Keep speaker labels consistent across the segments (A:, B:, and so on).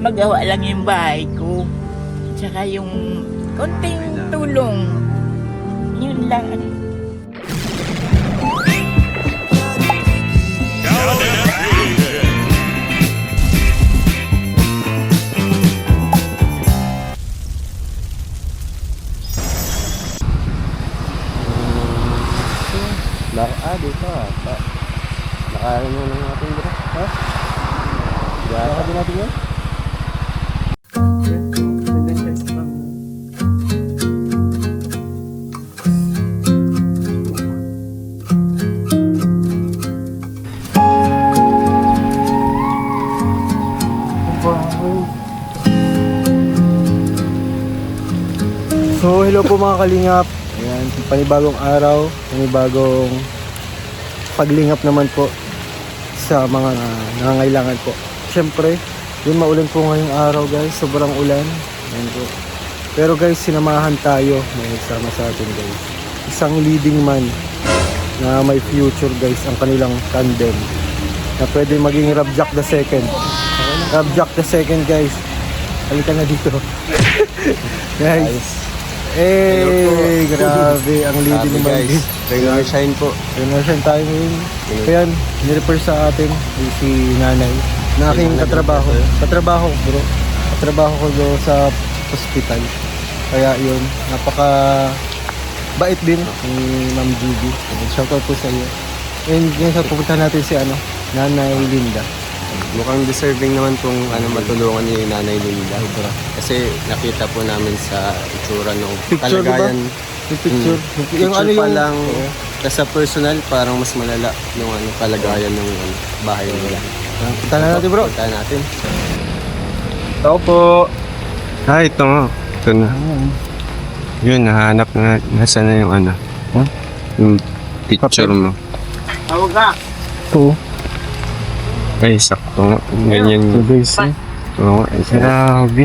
A: magawa lang yung bahay ko. Tsaka yung konting tulong. Yun lang.
B: Dito nakain mo ng ating bro. Ha? Gata din natin yun? So hello po mga kalingap. Ayan, panibagong araw, panibagong paglingap naman po sa mga nangangailangan po. Siyempre, yun maulan po ngayong araw guys, sobrang ulan. Ayan po. Pero guys, sinamahan tayo, may nagsama sa atin guys. Isang leading man na may future guys, ang kanilang tandem. Na pwede maging Rabjack the second. Rabjack the second guys. Halika na dito. Guys. Grabe, ang leading naman guys.
C: Regular shine po.
B: Regular shine tayo ngayon. Kaya nirefer sa atin si nanay na aking katrabaho. Katrabaho bro. Katrabaho ko doon sa hospital. Kaya yun, napaka bait din ni Ma'am Judy. Shoutout po sa iyo. And ngayon sa pupunta natin si Nanay Linda.
C: Mukhang deserving naman pong matulungan ni Nanay Linda. Kasi nakita po namin sa itsura ng
B: Picture,
C: kalagayan.
B: diba? Yung picture.
C: Yung pa lang, sa personal, parang mas malala yung kalagayan ng bahay nila.
B: Punta na natin bro.
C: Punta natin.
B: Tao po.
C: Ito nga. Ito na. Yun, nahanap na. Nasaan na yung yung picture mo.
A: Tawag ka.
B: Oo.
C: Ay, sakto nga. Ganyan
B: So guys,
C: Oo, ay grabe.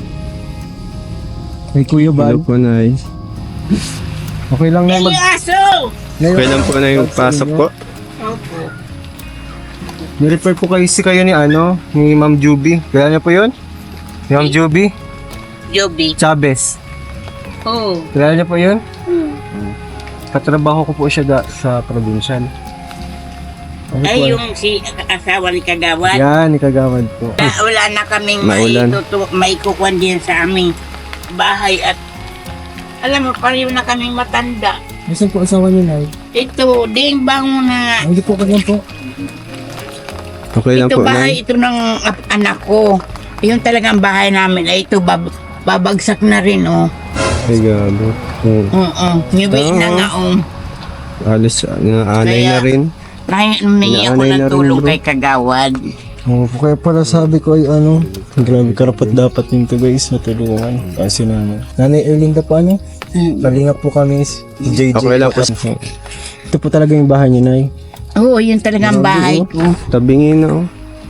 B: may Kuya Bal.
C: Hello po, Nay.
B: Okay lang na
A: Yung aso!
C: Okay lang po na yung pasok po.
A: Opo.
B: Nirefer po kayo ni Ma'am Juby. Kaya niya po yun? Si Ma'am Juby
A: Joby.
B: Chavez.
A: Oo.
B: Kaya niya po yun? Katrabaho ko po siya sa provincial.
A: Ay, yung si asawa ni Kagawad.
B: Yan, ni Kagawad po.
A: Wala na kaming
C: Maulan.
A: may kukuhan din sa aming bahay at alam mo, pareho na kaming matanda.
B: Nasaan po asawa niyo, Nay?
A: Ito, ding bango na nga.
B: Hindi po ko po.
C: Okay lang
A: Ito
C: po,
A: bahay,
C: Nay.
A: ito ng anak ko. Yung talagang bahay namin ay ito babagsak na rin, oh.
C: Ay, grabe.
A: Ngiwi na nga, oh.
C: Alis, naanay
A: Kaya-
C: na rin.
A: Nahingi ako
C: Inaanay
A: ng
C: na rin,
A: tulong
C: bro.
A: kay Kagawad.
B: Kaya pala sabi ko ay grabe karapat dapat nito guys, matulungan. Kasi Nanay Erlinda po Kalingap po kami, si JJ.
C: Okay lang po.
B: Ito po talaga yung bahay niyo, Nay.
A: Oo, yun talagang bahay ko.
C: Tabingin na, oh.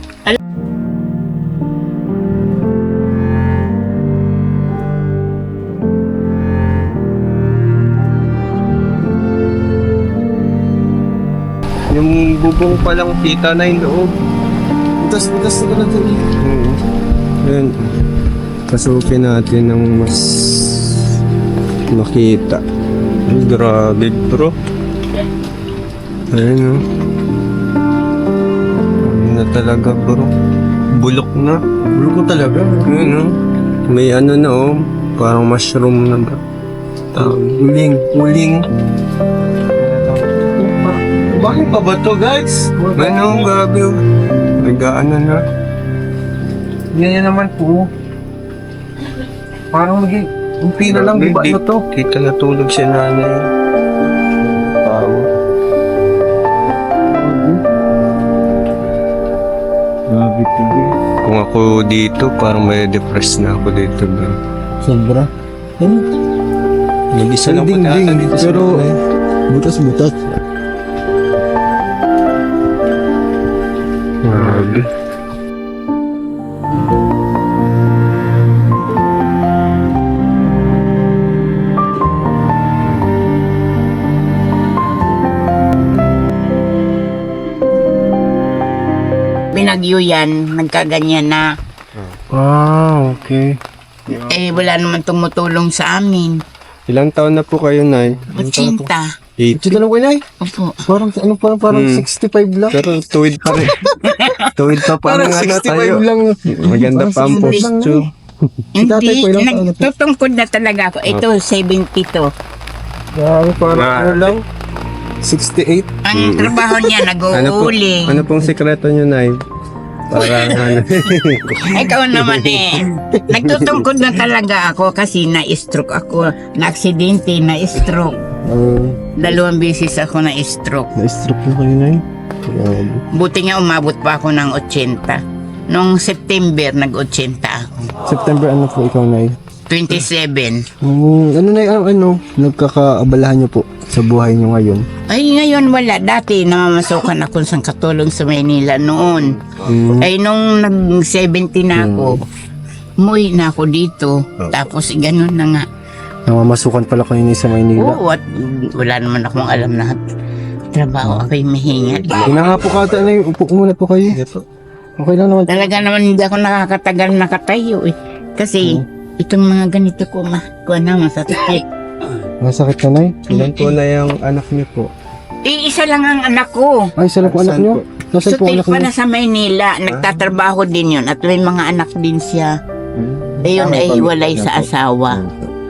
C: Yung bubong pa lang kita na yung loob.
B: Butas ko na ito.
C: Ayan. Pasukin natin ng mas makita. Ay, grabe bro. Ayan o. Ayan na talaga bro. Bulok na.
B: Bulok ko talaga.
C: Ayan o. May na o. Parang mushroom na ba?
B: Uling.
C: Bakit pa ba to guys? Ano, grabe o. Nag-ano na.
B: Yan naman po. Parang umpi na lang, di ba to?
C: Dito natulog si nanay. Tao.
B: Grabe po.
C: Kung ako dito, parang may depressed na ako dito bro.
B: Sobra.
C: Mag-isa lang po tayo dito sa
B: pero
C: nanay.
B: butas-butas.
C: Grabe.
A: Binagyo yan, nagkaganyan na.
B: Okay.
A: Eh, wala naman tumutulong sa amin.
C: Ilang taon na po kayo, Nay?
A: 80.
C: 80.
B: Ito lang ko, Nay.
A: Opo.
B: Parang 65 lang.
C: Pero tuwid pa rin. Tuwid pa
B: Parang
C: ano
B: 65
C: tayo.
B: lang.
C: Maganda pa ang
B: Parang 65 lang,
C: posture.
B: Tatay
A: Hindi,
B: ko, ilang taon na po?
A: nagtutungkod na talaga ako. Ito, 72.
B: Grabe, parang
C: Ah.
B: ano lang. 68.
A: Ang trabaho niya, nag-uuling.
C: Ano pong sekreto nyo, Nay? Para ano.
A: Ikaw naman eh. Nagtutungkod na talaga ako kasi na-stroke ako. Na-aksidente, na-stroke. 2 beses ako na-stroke.
B: Na-stroke na kayo, Nay. Grabe.
A: Buti nga umabot pa ako ng 80. Noong September, nag-80 ako.
B: September ano po ikaw, Nay?
A: 27.
B: Ano, Nay, nagkakaabalahan niyo po sa buhay niyo ngayon?
A: Ay, ngayon wala. Dati namamasukan ako sa katulong sa Maynila noon. Ay, nung nag-70 na ako, umuwi na ako dito. Tapos, ganun na nga.
B: Namamasukan pala kayo ni sa Maynila.
A: Oo, at wala naman akong alam na trabaho. Ako'y mahinga.
B: Hinahapo ka ata, Nay. Upo muna po kayo. Okay lang naman.
A: Talaga naman hindi ako nakakatagal nakatayo eh. Kasi, itong mga ganito ko, masasakit.
B: Masakit ka, Nay?
C: Ilan po na yung anak niyo po?
A: Isa lang ang anak ko.
B: Ay, saan po anak
C: Saan
B: niyo?
C: po?
B: Nasaan po
A: Sutik
B: anak
A: pa
B: niyo?
A: na sa Maynila. Nagtatrabaho din yun. At may mga anak din siya. Ayun ay hiwalay sa asawa.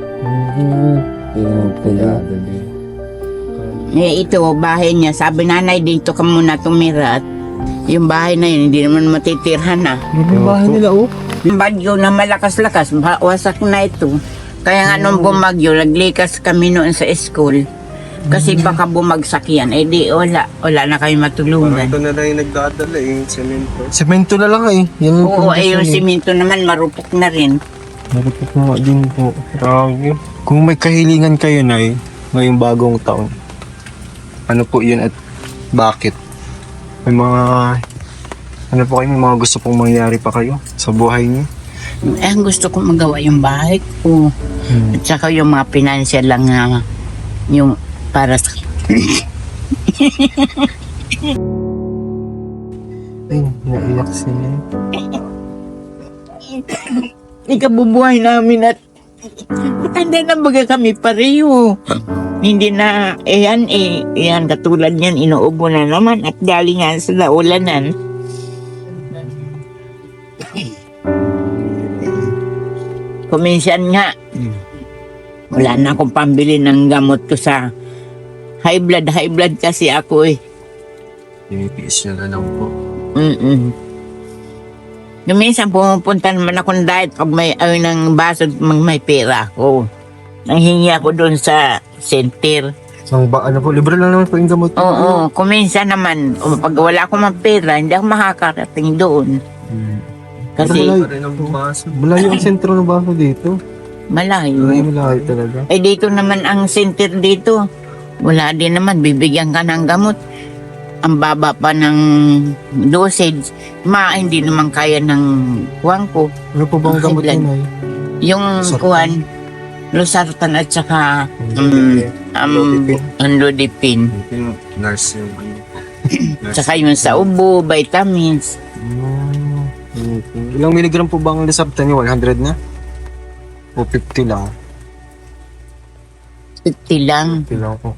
A: Eh, ito, bahay niya. Sabi nanay, dito ka muna tumira. At yung bahay na yun, hindi naman matitirhan na.
B: Yung bahay nila, oh.
A: Yung bagyo na malakas-lakas, wasak na ito. Kaya nga nung bumagyo, naglikas kami noon sa school. Kasi baka bumagsak yan. Eh di, wala na kayo matulungan.
C: Ito na lang yung nagdadala yung semento.
B: Semento na lang eh. Yan yung
A: Oo, eh yung
B: pundasyon,
A: simento naman, marupok na rin.
B: Marupok na nga din po. Grabe. Kung may kahilingan kayo, Nay, ngayong bagong taon, ano po yun at bakit? May mga, ano po kayo, may mga gusto pong mangyari pa kayo sa buhay niyo?
A: Eh, ang gusto ko magawa yung bahay ko. At saka yung mga financial lang na yung para sa...
B: Ay, naiyak siya.
A: Ikabubuhay namin at matanda na baga kami pareho. Hindi na, yan, katulad yan, inuubo na naman at galing nga sa ulanan. Kuminsan nga, wala na akong pambili ng gamot ko sa high blood kasi ako eh.
C: Pinipiis nyo na lang po.
A: Minsan pumupunta naman akong diet pag may ng baso may pera ako. Nanghingi ako doon sa center.
B: Ano po, libre lang naman po yung gamot.
A: Oo, kuminsan naman, pag wala akong mga pera, hindi ako makakarating doon. Kasi
B: Malayo.
C: Pa rin ang bumaso.
B: Malayo ang sentro ng baso dito.
A: malayo.
B: Malayo talaga.
A: Eh dito naman ang center dito. Wala din naman, bibigyan ka ng gamot. Ang baba pa ng dosage. Hindi naman kaya ng kuwan ko.
B: Ano po bang
A: High
B: gamot
A: blood.
B: yun, Nay?
A: Yung
B: Losartan.
A: kuwan, losartan at saka Lodipin.
C: Yung nurse yung nurse.
A: Saka yung sa ubo, vitamins.
B: Ilang milligram po ba ang Losartan niyo? 100 na? O 50 lang?
A: 50 lang.
B: 50 lang po.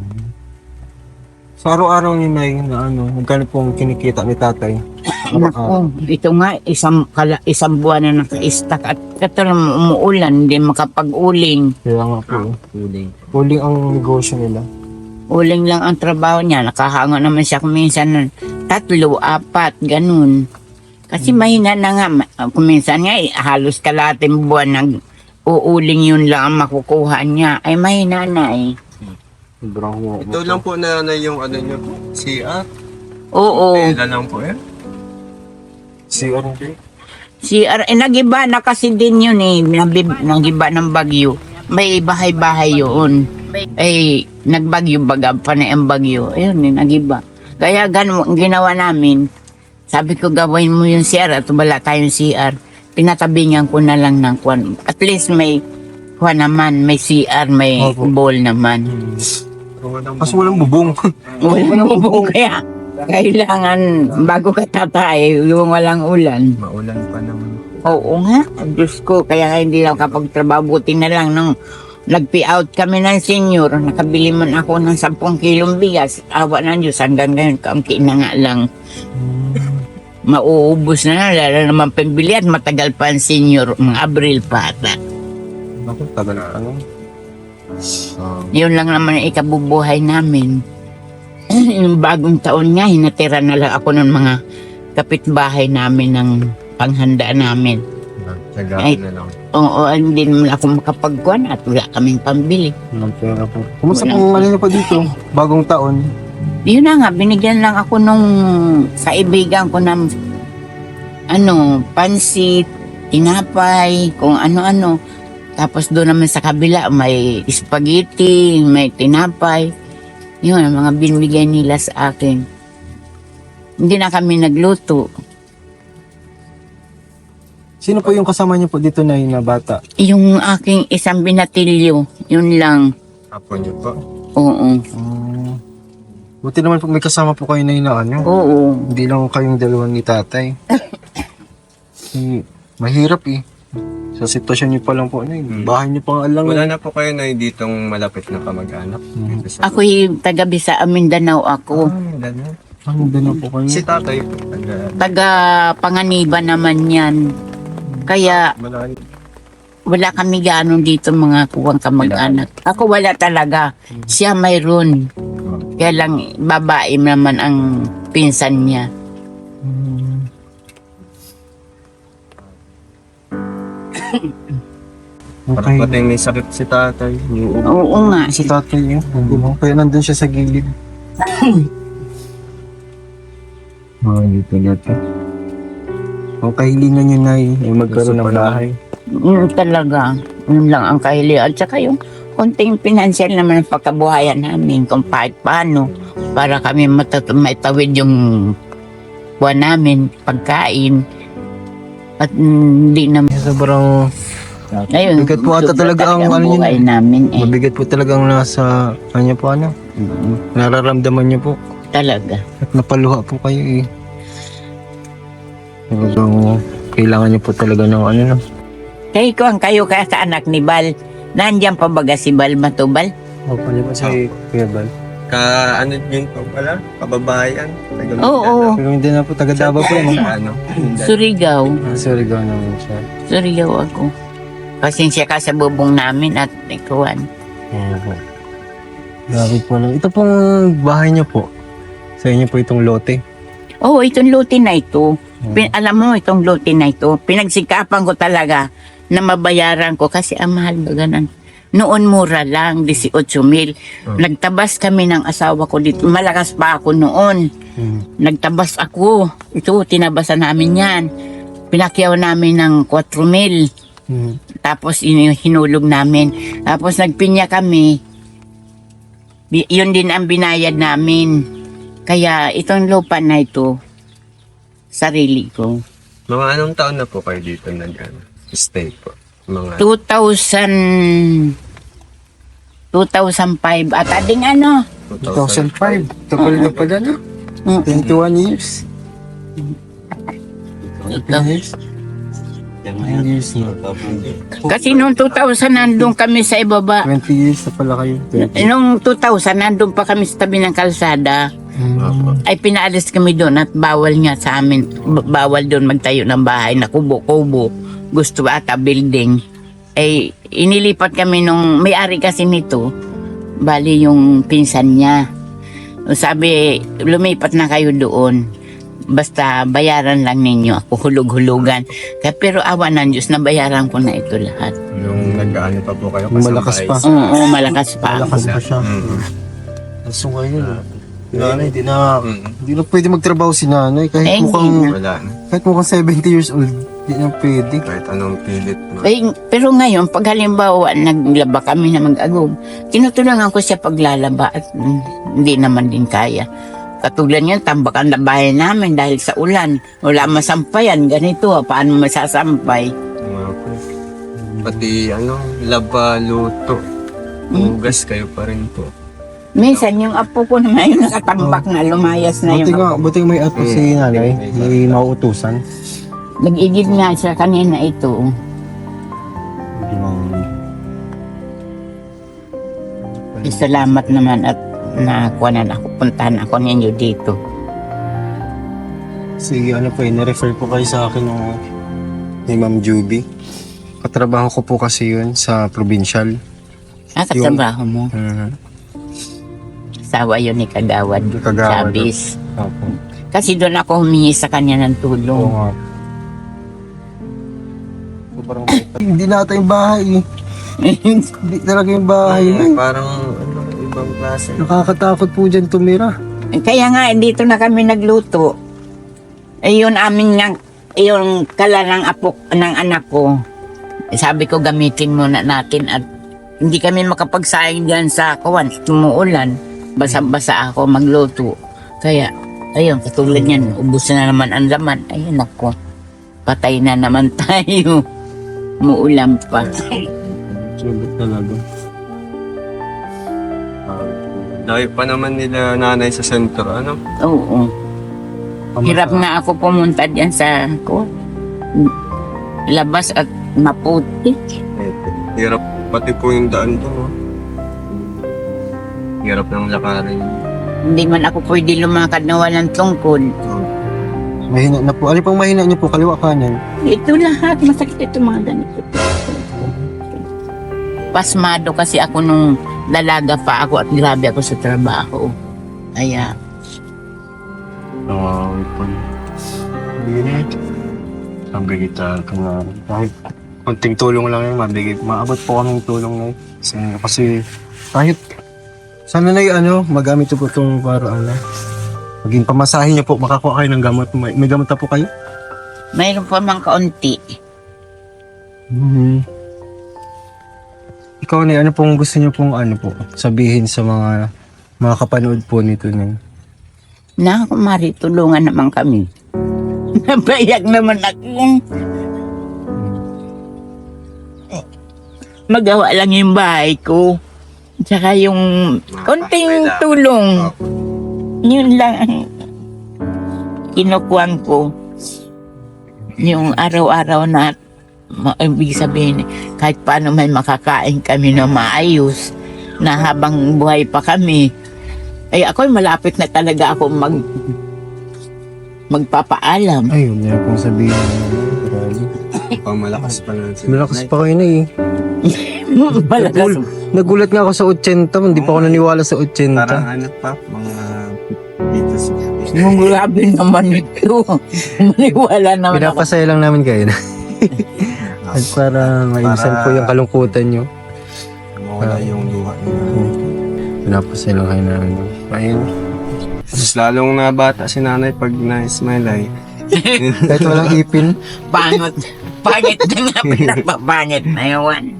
B: Sa araw-araw niyo, Nay, na magkano pong kinikita ni tatay?
A: Nako, ito nga, isang buwan na naka-stack at katulad umuulan, hindi makapag-uling.
B: Kaya nga po. Huling ang negosyo nila.
A: Uling lang ang trabaho niya, nakahanga naman siya kuminsan ng 3, 4, ganun. Kasi mahina na nga, kuminsan nga, halos kalating buwan nag-uuling yun lang ang makukuha niya. Ay mahina na eh.
B: Sobrang
C: Ito lang po na yung ano nyo. CR.
A: Oo.
C: Kailan lang po eh.
B: CR.
A: Nagiba na kasi din yun eh, nagiba ng bagyo. May bahay-bahay yun. Ay, nagbagyo baga pa na ang bagyo. Ayun eh, nagiba. Kaya ganun, ginawa namin, sabi ko gawin mo yung CR at wala tayong CR. Pinatabingan ko na lang ng kwan. At least may kwan naman, may CR, may
B: Opo.
A: bowl naman.
B: Kasi walang bubong.
A: Walang bubong kaya kailangan bago ka tatay, yung walang ulan.
C: Maulan pa naman.
A: Oo nga, Diyos ko, kaya nga hindi lang kapagtrabaho, buti na lang nung nag-pay-out kami ng senior, nakabili man ako ng 10 kilong bigas, awa ng Diyos, hanggang ngayon, kaunti na nga lang. Mauubos na, lalo naman pambili at matagal pa ang senior, mga Abril pa ata.
C: Ako, tagal na ano.
A: Yun lang naman ang ikabubuhay namin. Yung bagong taon nga, hinatira na lang ako ng mga kapitbahay namin ng panghanda namin. Ay,
C: Tagaan na lang.
A: Oo, hindi naman ako makapagkuhan at wala kaming pambili.
B: Walang pera po. Kumusta
A: Walang
B: pong ano niyo po dito? Bagong taon.
A: Yun na nga, binigyan lang ako nung kaibigan ko ng pansit, tinapay, kung ano-ano. Tapos doon naman sa kabila, may spaghetti, may tinapay. Yun, ang mga binigay nila sa akin. Hindi na kami nagluto.
B: Sino po yung kasama niyo po dito na bata?
A: Yung aking isang binatilyo, yun lang.
C: Apo niyo po.
A: Oo.
B: Buti naman po may kasama po kayo na ano.
A: Oo.
B: Hindi lang kayong dalawa ni tatay. Mahirap eh. Sa sitwasyon niyo pa lang po, bahay niyo pang alang.
C: Wala na po kayo na ditong malapit na kamag-anak. Dito sa-
A: Ako'y taga-Bisa, Mindanao ako.
C: wala na.
B: Doon na po kayo.
C: Si tatay po.
A: Taga-Panganiban naman yan. Kaya
C: Malayo.
A: wala kami gano'n dito mga kuwang kamag-anak. Ako wala talaga. Siya mayroon. Kaya lang babae naman ang pinsan niya.
C: Parang
B: Okay.
C: pati may sakit si tatay. Yung ubo.
A: Oo nga.
B: Si tatay yun. Kaya nandun siya sa gilid. Dito na to. Ang kahilingan niyo na ay magkaroon ng bahay.
A: Yun talaga. Yun lang ang kahilihan. At saka yung konting pinansyal naman ang pagkabuhayan namin kung kahit paano para kami maitawid yung buwan namin, pagkain. At hindi naman.
B: Sobrang
A: Ayun,
B: Bigat po ata
A: sobra
B: talaga ang
A: ang
B: ano
A: buhay
B: yun.
A: namin eh.
B: mabigat po talagang nasa kanya po nararamdaman niyo po
A: Talaga.
B: at napaluha po kayo eh. Talagang kailangan niyo po talaga ng ano.
A: Kaya ko ang kayo kaya sa anak ni Bal. Nandiyan pa baga si Bal Matubal?
B: Opo niyo po sa Kuya Bal.
C: Ano yun po pala? Kababayan?
A: Oo.
B: Pero hindi na po taga Davao po no?
C: Ano?
A: Surigao.
B: Sorry gaw naman siya.
A: Surigao ako. Pasensya ka sa bubong namin at ikuan.
B: Opo. Grabe po lang. Ito pong bahay niyo po. Sa inyo po itong lote.
A: Oo, itong lote na ito. Alam mo, itong lote na ito, pinagsikapan ko talaga na mabayaran ko kasi ang mahal baga ng noon mura lang, 18,000. Nagtabas kami ng asawa ko dito. Malakas pa ako noon. Nagtabas ako. Ito, tinabasan namin yan. Pinakyaw namin ng 4,000. Tapos hinulog namin. Tapos nagpinya kami. Yun din ang binayad namin. Kaya itong lupa na ito, sarili ko.
C: Mga anong taon na po kayo dito stay po? Mga
A: 2005 at ading ano?
B: 2005. Tapos na pala no? 21 years. 20 years. 9 years na.
A: Kasi noong 2000 nandun kami sa ibaba.
B: 20 years na pala kayo. 20.
A: Noong 2000 nandun pa kami sa tabi ng kalsada. Ay pinaalis kami doon at bawal nga sa amin. Bawal doon magtayo ng bahay na kubo-kubo. Gusto ata building. Ay inilipat kami nung may-ari kasi nito. Bali yung pinsan niya. Sabi, lumipat na kayo doon. Basta bayaran lang ninyo ako, hulog-hulugan. Kaya, pero awa ng Diyos, nabayaran ko na ito lahat.
C: yung nag-ano pa po kayo?
B: Malakas pa.
A: Oo, malakas pa ako.
B: Malakas pa siya. Kaso ngayon, nanay, hindi na pwede magtrabaho si nanay. Kahit
A: Eh,
B: mukhang,
A: hindi
C: Wala na.
B: kahit mukhang 70 years old, hindi na pwede.
C: Kahit anong pilit mo.
A: Pero ngayon, pag halimbawa, naglaba kami na mag-agog, tinutulungan ko siya paglalaba at hindi naman din kaya. Katulad niyan, tambakan na bahay namin dahil sa ulan. Wala masampayan, ganito, paano masasampay?
C: Mga po. Pati laba, luto. Hugas kayo pa rin po.
A: Minsan, yung apo ko naman yung nakatambak na, lumayas na
B: Buti
A: yung
B: nga,
A: apo.
B: buti may ato si nanay, may mauutusan.
A: Nag-igib nga siya kanina ito. Salamat naman at nakakuha na ako. Puntahan ako ninyo dito.
B: Sige, ano po, ina-refer po kayo sa akin ni Ma'am Juby. Katrabaho ko po kasi yun sa provincial.
A: Katrabaho mo. Asawa yun ni Kagawad.
B: Kagawad.
A: Chavez.
B: Opo.
A: Kasi doon ako humingi sa kanya ng tulong.
B: Oo nga. Sobrang hindi nata yung bahay eh. Hindi talaga yung bahay na eh.
C: Parang ibang klase.
B: Nakakatakot po dyan tumira.
A: Kaya nga, dito na kami nagluto. Yun amin nga, yung kala ng apo, ng anak ko. Sabi ko, gamitin muna natin at hindi kami makapagsayang dyan sa kawan. Tumuulan. Basa-basa ako magluto. Kaya, ayun, katulad yan, ubus na naman ang laman. Ayun ako, patay na naman tayo. Muulam pa.
C: Sulit talaga. Dahil pa naman nila nanay sa sentro, ano?
A: Oo. Hirap nga ako pumunta dyan sa labas at maputi.
C: Hirap pati po yung daan doon, no? Hirap ng lakarin.
A: Hindi man ako pwede lumakad na walang tungkol.
B: Mahina na po. Ano pang mahina niyo po? Kaliwa kanan?
A: Ito lahat, masakit ito mga ganito. Pasmado kasi ako nung dalaga pa ako at grabe ako sa trabaho. Kaya,
B: Sabi kita kahit konting tulong lang yun, maabot po kaming tulong na yun. Kasi kahit sana na yung magamit po itong para maging pamasahin niyo po, makakuha kayo ng gamot. May gamot na po kayo?
A: mayroon pa mang kaunti.
B: Ikaw na, ano pong gusto niyo pong sabihin sa mga kapanood po nito na?
A: Na, kumari, tulungan naman kami. Nabayak naman ako. Magawa lang yung bahay ko. Tsaka yung konting tulong. Yun lang ang kinukuhan ko. Yung araw-araw na ibig sabihin, kahit paano may makakain kami na maayos na habang buhay pa kami. Ay ako'y malapit na talaga ako magpapaalam.
B: Ayun, yun pong sabihin. Grabe.
C: Pamalakas pa lang sila.
B: Malakas pa kayo na eh.
A: Malakas.
B: Nagulat nga ako sa 80, hindi pa ako naniwala sa 80.
C: Parang pa, mga dito sa...
A: Grabe naman ito. Maniwala naman ako.
B: Pinapasaya lang namin kayo na. At para maisan po yung kalungkutan nyo.
C: Mawala yung luha nila.
B: Pinapasaya lang kayo namin. Ayun.
C: Mas lalong nabata si nanay pag na-smile ay.
B: Kahit walang ipin.
A: Pangit. Pangit na nga pinapapangit na yawan.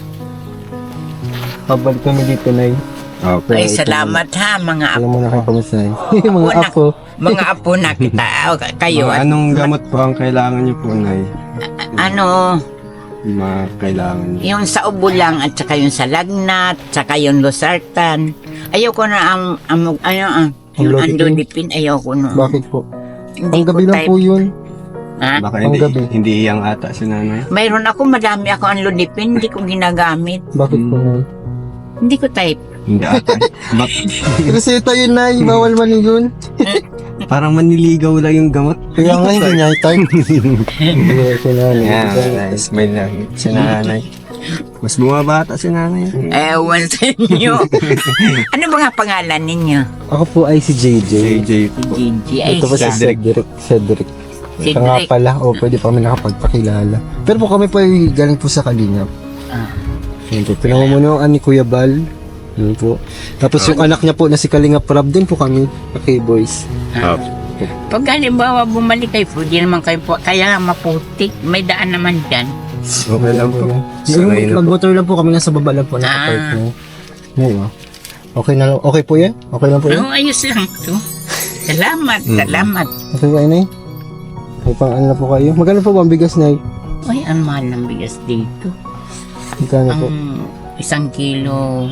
B: Pabalik kami dito na
A: Ay, salamat ha, mga
B: Alam
A: apo.
B: mo na kayo kamusta mga
A: Anak.
B: apo.
A: Mga apo na kita. Kayo.
C: Anong gamot po ang kailangan niyo po, nay?
A: Ano,
C: Mga kailangan niyo.
A: yung sa ubo lang at saka yung sa lagnat, saka yung losartan. Ayoko na yung
B: Lodipin?
A: andodipin, ayoko na.
B: Bakit po?
A: Hindi
B: Ang gabi
A: ko
B: lang
A: type.
B: po yun.
A: Ha?
C: Baka
B: Ang gabi.
C: hindi iyang ata si nanay.
A: Mayroon ako, madami ako ang lodipin, hindi ko ginagamit.
B: Bakit po na?
A: Hindi ko type.
C: Hindi ata.
B: Reseta yun na, bawal man yun.
C: Parang maniligaw lang yung gamot.
B: Kaya nga hindi niya i-type. Hindi si nanay.
C: Yeah, smile lang si nanay. Mas bumabata si nanay.
A: Ewan sa inyo. Ano ba nga pangalan ninyo?
B: Ako po ay si JJ.
C: JJ po.
A: Gigi. Ay,
B: Ito po si
A: siya.
B: Cedric.
A: Cedric.
B: Siya nga pala, pwede pa kami nakapagpakilala. Pero po kami po ay galing po sa Kalingap.
A: Ah.
B: Yun po, pinamumunuan ni Kuya Bal. Yun po. Tapos yung anak niya po na si Kalingap Rab din po kami, K-Boys.
A: Pag halimbawa bumalik kayo, pwede naman kayo po, kaya maputik, may daan naman dyan.
C: Okay lang po. Sanay na po.
B: Mag-motor lang po kami, nasa baba lang po nakapark na. Ngayon, okay na lang, okay po yan? Okay lang po yan?
A: Pero ayos lang to. Salamat, salamat.
B: Okay ba yun, Nay? May pang ano na po kayo? Magkano po ba ang bigas, Nay?
A: Ay, ang mahal ng bigas dito.
B: Magkano po?
A: Ang 1 kilo,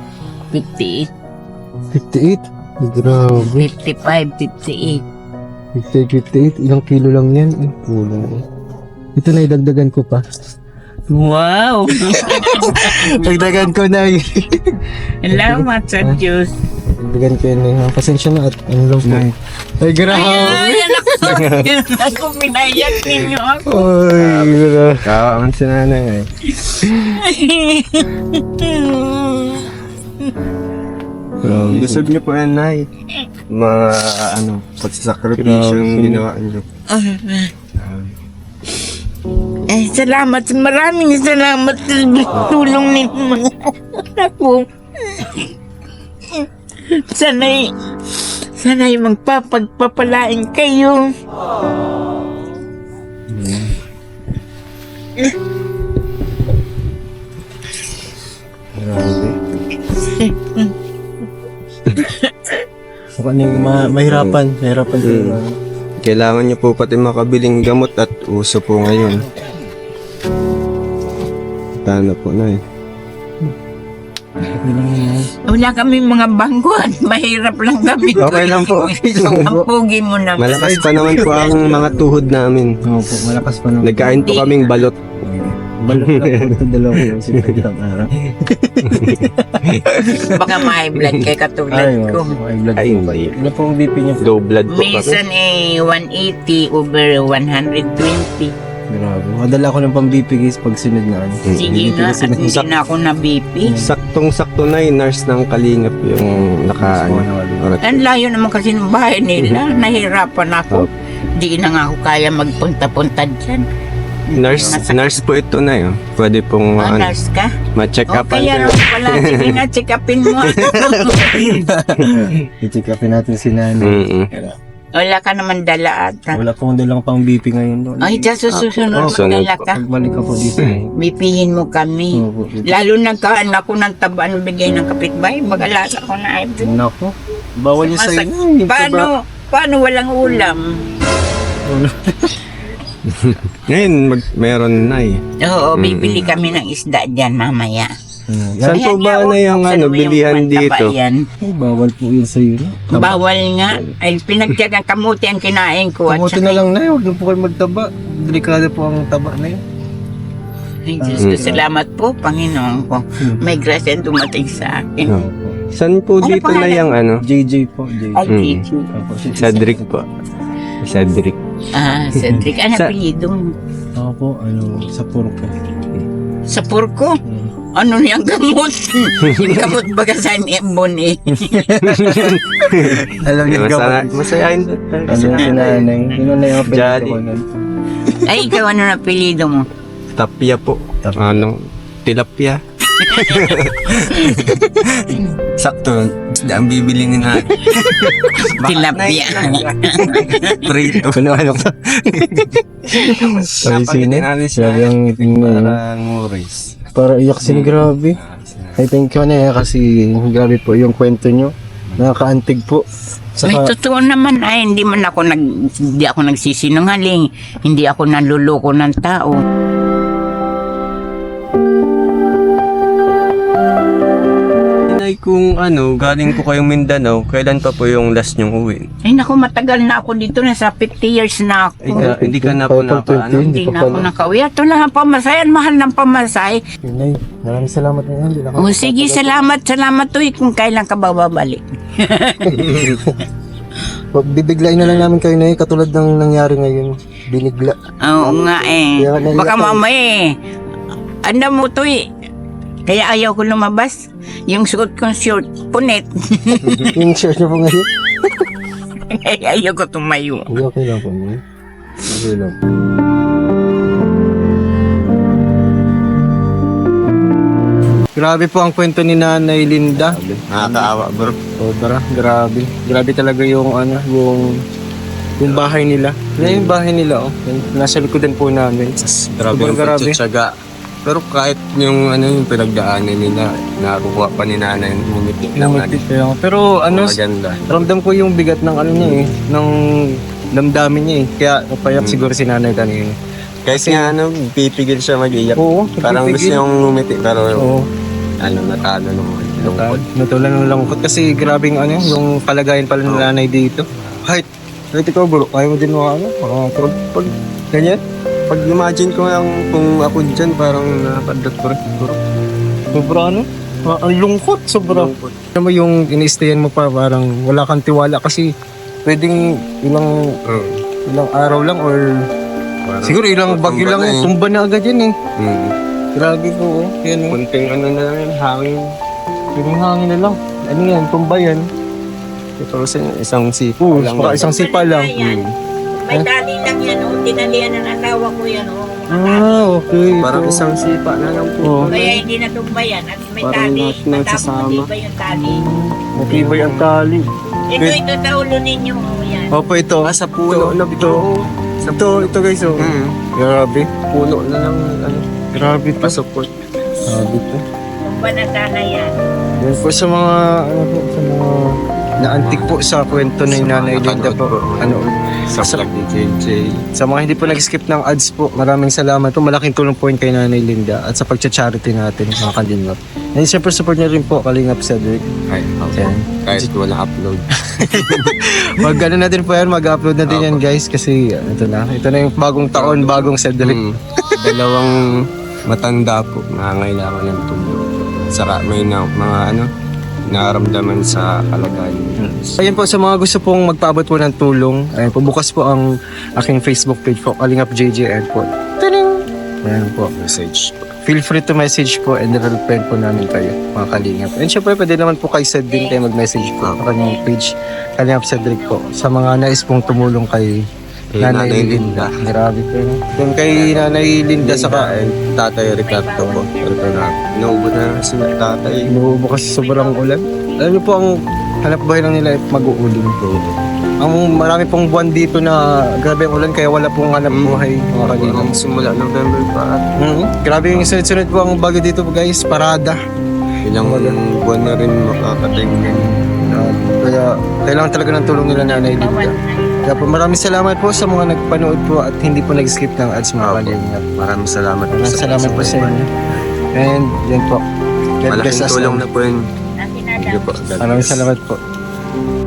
A: 58,
B: 58? Grabe.
A: 55, 58.
B: 58, ilang kilo lang yan. Ay, kulang. Ito na, idagdagan ko pa.
A: Wow!
B: Dagdagan ko na eh.
A: Salamat sa Diyos.
B: Dagdagan ko yun eh. Pasensya na at ano lang po. Ay, grabe.
A: Ay, anak ko. Ako pinayak ninyo ako.
B: Ay, grabe.
C: Kawaman si nanay eh. Deserve niyo po yan, Nay. Mga, pagsasakripisyo yung ginawa niyo.
A: Salamat. Maraming salamat sa tulong ninyo mga anak ko. Sana'y magpapagpapalain kayo.
B: Grabe. Mukhang mahirapan. Mahirapan din.
C: Kailangan niyo po pati makabiling gamot at uso po ngayon. Tana po, Nay.
A: Wala kami mga bangguan. Mahirap lang kami.
C: Okay lang po.
A: Ang pugi mo naman.
C: Malakas pa naman po ang mga tuhod namin.
B: Opo, malakas pa naman.
C: Nagkain po kaming balot.
B: Balot lang po. Dalawa ko yung sinagitang araw.
A: Baka may blood kay katulad ko.
B: Ay, blood
C: Ay,
B: po.
C: hindi.
B: Ano po ang BP niyo?
C: Low blood po kami.
A: Minsan 180 over 120.
B: Grabe. Madala ko ng pang-BP guys pag sunod na ano.
A: Sige nga, at hindi na ako na BP.
C: Saktong-sakto na nurse ng Kalingap yung
A: Ang layo naman kasi ng bahay nila. Nahirapan ako. Di na nga ako kaya magpunta-punta dyan.
C: Nurse po ito na yun. Pwede pong
A: Nurse ka?
C: ma-check
A: O
C: up.
A: kaya naman pala, sige na, check upin mo.
B: I-check upin natin si nanay.
A: Wala ka naman dala ata.
B: Wala pong dalang pang BP ngayon doon.
A: Ay, dyan susunod
C: sunod
A: magdala ka.
B: Pagbalik ako dito.
A: Bipihin mo kami.
B: Opo.
A: Lalo nagkaan ako ng taba ng bigay ng kapitbahay. Mag-alasa ko na ay.
B: Nako. Bawal niya sa inyo.
A: Paano walang ulam?
C: Ngayon, meron na eh.
A: Oo, bibili kami ng isda dyan mamaya.
C: Saan po ba na yung bilihan dito?
B: Ay, bawal po yun sa iyo.
A: Bawal nga. Ay, pinagtiyagang kamuti ang kinain ko. At
B: Kamuti na lang na yun. Huwag na po kayo magtaba. Delikado po ang taba na yun.
A: Ay, Diyos ko, salamat po, Panginoon ko. May grasya dumating sa akin.
C: Saan po
A: Ano
C: dito na
A: pangalan?
C: yung
B: JJ po. JJ.
A: Ay, Chichu.
C: Cedric po. Cedric.
A: Cedric. Ano
C: Sa-
A: apelyido mo?
B: Ako po, sa puro po.
A: Sa Purko? Ano niyang gamot? Yung gamot baga sa Embon eh.
B: Alam niyo
C: Masayahin doon.
B: Ano yung sinanay? Yun na yung apelyido
C: Jolly.
B: ko nun.
A: Ay, ikaw ano na apelyido mo?
C: Tapia po.
B: Tapia.
C: Tilapia. Sakto. Ang bibili ni na.
A: Tilapia.
C: Prito.
B: Ano ko? Ay, sino? Grabe ang iting mo.
C: Parang Morris.
B: Para iyak sin grabe. I think ko na kasi grabe po yung kwento nyo. Nakakaantig po.
A: May totoo naman ay hindi ako nagsisinungaling. Hindi ako nanluloko ng tao.
C: Inay, kung galing po kayong Mindanao, kailan pa po yung last nyong uwi?
A: Ay naku, matagal na ako dito. Nasa 50 years na ako.
C: Hindi ka na po
A: Hindi na ako nakauwi. Ito lang ang pamasay. Ang mahal ng pamasay.
B: Nay, maraming salamat na yan.
A: O sige, salamat. Salamat to kung kailan ka ba babalik.
B: Bibiglain na lang namin kayo na katulad ng nangyari ngayon. Binigla.
A: Oo nga eh.
B: Kaya naiyak
A: Baka
B: ako.
A: mamaya eh. Ano mo to eh. Kaya ayaw ko lumabas. Yung suot kong short, punit.
B: Yung shirt nyo po ngayon.
A: Kaya ayaw ko tumayo.
B: Okay lang po. Okay lang. Grabe po ang kwento ni Nanay Linda.
C: Nakakaawa bro.
B: Sobra, grabe. Grabe talaga yung yung bahay nila. Yan yung bahay nila, oh. Nasa likodan po namin.
C: Grabe
B: Sobrang
C: yung
B: grabe.
C: pagtsatsaga. Pero kahit yung yung pinagdaanan nila, nakukuha pa ni nanay yung ngumiti lang natin.
B: Pero
C: Maganda.
B: ramdam ko yung bigat ng niya eh, ng damdamin niya eh. Kaya napayak siguro si Nanay kanina.
C: Kasi nga pipigil siya mag-iyak.
B: Oo,
C: Parang gusto
B: pipigil.
C: niyang ngumiti pero
B: Oo.
C: natalo naman. Lungkot.
B: Natulan ng lungkot kasi grabe yung yung kalagayan pala ng nanay dito. Kahit Kahit ikaw bro, kaya mo din pag ganyan?
C: Pag imagine ko lang kung ako dyan, parang nakadat ko rin.
B: Sobra ang lungkot, sobra. Alam mo yung ini-stayan mo pa, parang wala kang tiwala kasi pwedeng ilang araw lang or siguro ilang bagyo lang, tumba na agad yan eh. Grabe po, yan
C: Kunting ano na lang yan, hangin.
B: yung hangin na lang. Ano yan, tumba yan.
C: Ito kasi isang sipo lang.
B: Baka isang sipa lang.
A: May tali lang yan, tinalian ng asawa ko yan,
B: Okay.
C: Parang isang sipa na lang po.
A: Kaya hindi natumba yan, at may
C: Parang
A: tali,
C: lahat nagsasama.
A: matapos yung tali.
B: Matibay ang tali.
A: Ito sa ulo ninyo, yan.
B: Opo, ito.
C: Sa puno na ito.
B: Ito guys, oh. Grabe.
C: Puno na lang, ano,
B: Grabe to.
C: pasupot.
B: Grabe to.
A: Tumba na sana yan.
B: Yan po sa mga, sa mga naantik po sa kwento ng Nanay Linda po.
C: Sa vlog ni JJ.
B: Sa mga hindi po nag-skip ng ads po, maraming salamat po. Malaking tulong po yun kay Nanay Linda at sa pagcha-charity natin, mga kalingap. And siyempre support niyo rin po, Kalingap Cedric.
C: Kahit wala upload.
B: Mag ano natin po yan, mag-upload natin yan guys kasi ito na yung bagong taon, bagong Cedric.
C: Dalawang matanda po, nangangailangan ng tulong. May mga nararamdaman sa kalagayan.
B: Ayan po, sa mga gusto pong magpaabot po ng tulong, ayan po, bukas po ang aking Facebook page po, Kalingap JJ Airport. Taning! Ayan po.
C: Message.
B: Feel free to message po and i-reply po namin kayo, mga Kalingap. And syempre, pwede naman po kay Ced din kayo mag-message po sa kanyang page, Kalingap Cedric po, sa mga nais pong tumulong kay Nanay Linda. Grabe po yun. Yung kay Nanay Linda saka
C: Tatay Ricardo po. Inuubo na si tatay.
B: inuubo kasi sobrang ulan. Alam niyo po, ang hanap buhay lang nila ay mag-uuling po. Ang marami pong buwan dito na grabe ang ulan kaya wala pong hanap buhay, mga Kalingap.
C: Ang simula November pa at
B: Grabe yung sunod-sunod po ang bagyo dito guys, parada.
C: ilang buwan na rin makakatingin.
B: Kaya kailangan talaga ng tulong nila Nanay Linda. Kaya po maraming salamat po sa mga nagpanood po at hindi po nag-skip ng ads, mga Kalingap.
C: Maraming salamat.
B: Maraming salamat po sa inyo. And yan po. God bless
C: Malaking
B: us
C: tulong
B: all.
C: na po yun.
A: Natin
C: Sige po. God
B: Maraming
C: bless.
B: salamat po.